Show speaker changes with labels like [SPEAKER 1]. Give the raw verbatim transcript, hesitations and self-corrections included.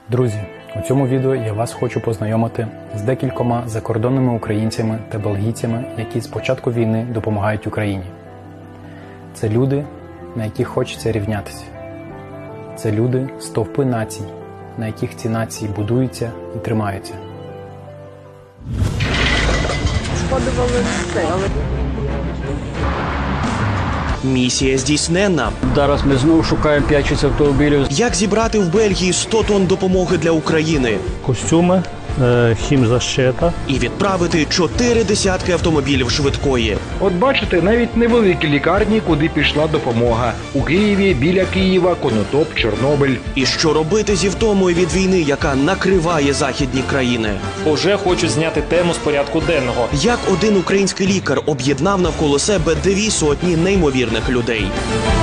[SPEAKER 1] Друзі, у цьому відео я вас хочу познайомити з декількома закордонними українцями та бельгійцями, які з початку війни допомагають Україні. Це люди, на яких хочеться рівнятися. Це люди – стовпи націй, на яких ці нації будуються і тримаються.
[SPEAKER 2] Шкодували все, але...
[SPEAKER 3] Місія здійсненна.
[SPEAKER 4] Зараз ми знову шукаємо п'ять автомобілів.
[SPEAKER 3] Як зібрати в Бельгії сто тонн допомоги для України?
[SPEAKER 5] Костюми, хімзащита.
[SPEAKER 3] І відправити чотири десятки автомобілів швидкої.
[SPEAKER 6] От бачите, навіть невеликі лікарні, куди пішла допомога. У Києві, біля Києва, Конотоп, Чорнобиль.
[SPEAKER 3] І що робити зі втомою від війни, яка накриває західні країни?
[SPEAKER 7] Уже хочуть зняти тему з порядку денного.
[SPEAKER 3] Як один український лікар об'єднав навколо себе дві сотні неймовірних людей?